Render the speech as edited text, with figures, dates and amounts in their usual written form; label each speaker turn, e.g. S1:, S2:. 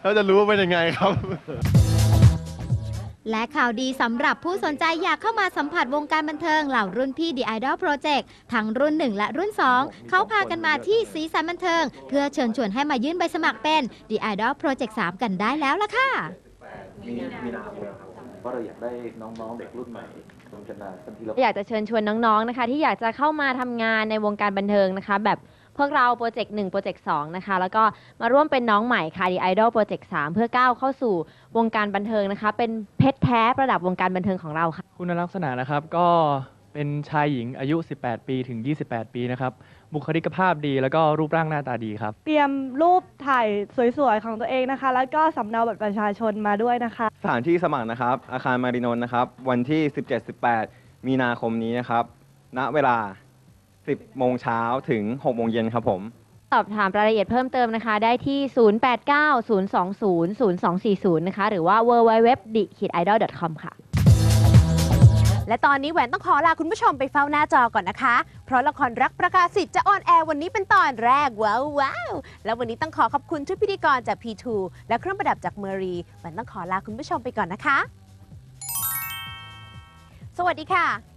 S1: แล้วจะรู้ว่าเป็นยังไงครับ
S2: และข่าวดีสำหรับผู้สนใจอยากเข้ามาสัมผัสวงการบันเทิงเหล่ารุ่นพี่ The Idol Project ทั้งรุ่น 1 และรุ่น 2 เขาพากันมาที่สีสันบันเทิง เพื่อเชิญชวนให้มายื่นใบสมัครเป็น The Idol Project 3 กันได้แล้วล่ะค่ะ
S3: มีนาคมเพราะเราอยากได้น้องๆเด็กรุ่นใหม่ลงกันมาทันทีเรา
S4: อยากจะเชิญชวนน้องๆนะคะที่อยากจะเข้ามาทำงานในวงการบันเทิงนะคะแบบพวกเราโปรเจกต์1โปรเจกต์2นะคะแล้วก็มาร่วมเป็นน้องใหม่ค่ะ The Idol Project 3 เพื่อก้าวเข้าสู่วงการบันเทิงนะคะเป็นเพชรแท้ประดับวงการบันเทิงของเราค่ะ
S5: คุณลักษณะนะครับก็เป็นชายหญิงอายุ 18 ปีถึง 28 ปีนะครับบุคลิกภาพดีแล้วก็รูปร่างหน้าตาดีครับ
S6: เตรียมรูปถ่ายสวยๆของตัวเองนะคะ แล้วก็สำเนาบัตรประชาชนมาด้วยนะคะ
S7: สถานที่สมัครนะครับ อาคารมารินนท์นะครับ วันที่ 17-18 มีนาคมนี้นะครับ ณ เวลา 10 โมงเช้าถึง 6 โมงเย็นครับผม
S4: สอบถามรายละเอียดเพิ่มเติมนะคะ ได้ที่ 0890200240 นะคะ หรือว่า www.the-idol.com ค่ะ
S8: และตอนนี้แหวนต้องขอลาคุณผู้ชมไปเฝ้าหน้าจอก่อนนะคะ เพราะละครรักประกาศสิทธิ์จะออนแอร์วันนี้เป็นตอนแรกว้าวแล้ววันนี้ต้องขอขอบคุณทุกพิธีกรจาก P2 และเครื่องประดับจากเมอรีแหวนต้องขอลาคุณผู้ชมไปก่อนนะคะ สวัสดีค่ะ